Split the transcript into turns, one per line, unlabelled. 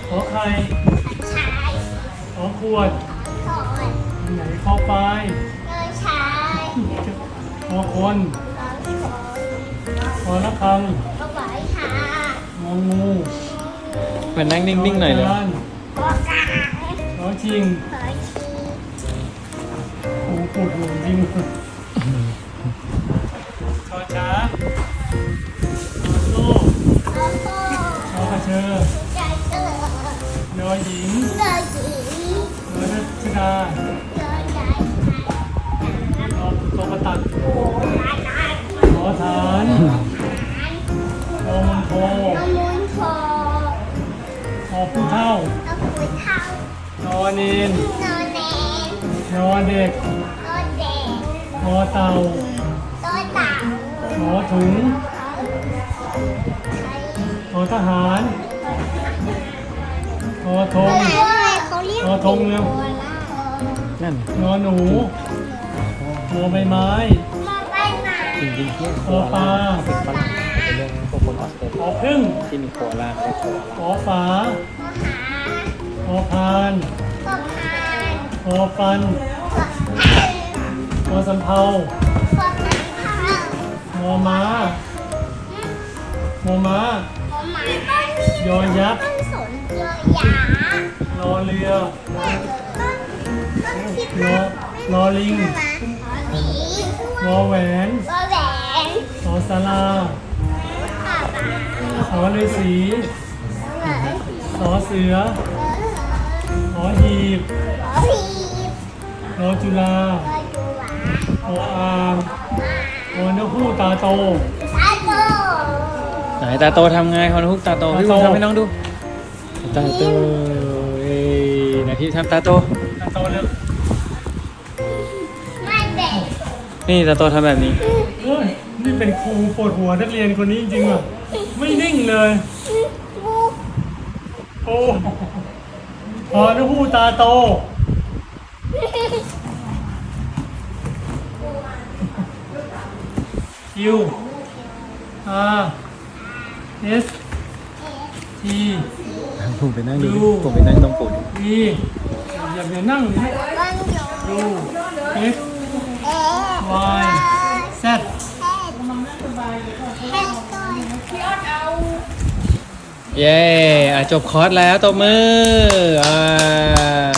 ขอไข่
ชาย
ขอขวด
ขอด
ไหนขอไฟ
เงินชาย
ขอคน
ขอขอ
ขอระฆัง
ขอไหวหาง
องู
มานั่งนิ่งๆหน่อยเลย
ขจาน
ขอกา
ขอชิง
ขอชี
โอ้โหปวดหัวจริงขอช้างขอโซ่
ขอโซ่
ขอกระเชอ
ใจเกิด
ยอหญิง
เกิดหญิง
ยอรัชดา
เกิดใจ
ขอตกตัด
โอ้ตายตาย
ขอฐานขอมณฑล
ขโมยทอง
ขอผู้เฒ่า
เอาปุ๋ยเท้าน
อนเนน
นอนแนน
นอนเด็ก
นอนแดง
ขอเต่า
ต้นเต่า
ขอถุง ขอทหาร ขอธง
อะไรเขาเรียก
ขอธงเร็ว
นั่น
นอนหนูขอใบไม้
มาไปไหน
จริงๆที่
ขอปลา
เป็นฝรั่งเป็นเรื่องพวกคนออสเตร
ข
เลี
อย พึ่ง
ที่มีโคอาลาเขาโคอาลา
ขอฝา
ขอหา
ขอพาน
ขอพาน
ขอฟัน
ขอพัน
ขอสำเภา
ขอพันข้าว
ขอม้าขอม้า
ขอหมาต้นนี้
ยอยักษ์
ต้นสนยอหยาร
อเรือ
ต้นคิด
รอรอลิง
หมี
รอแหวน
วอแหวน
ขอศาลา
ข้าวปลา
ขอฤาษี
เหมือน
ขอเสือ ขอหีบ
ขอพีบ
ขอจุฬา
ขอจูหวา
ขออ่างขอนกฮูกตาโต
ตาโต
ไหนตาโตทำไงคอนฮุกตาโต
ตาโต
พี่บุญทำให้น้องดูตาโตเอ้ยไหนพี่ทำตาโต
ตาโตเร็ว
ไม่เด็ก
นี่ตาโตทำแบบนี้
เฮ้ยนี่เป็นครูปวดหัวนักเรียนคนนี้จริงๆอ่ะไม่นิ่งเลย
ลูก
โอ้ขอนกฮูกตาโต คิว R S T
ผมไปนั่งดู
ดู
ผมไปนั่งตรงปุ่น
V อย่านั่งดิ
วันหยุด
U X
เอ๊ะ
Y Z
แค่ก่อน
เย้อ่ะจบคอร์สแล้วตบมืออ่า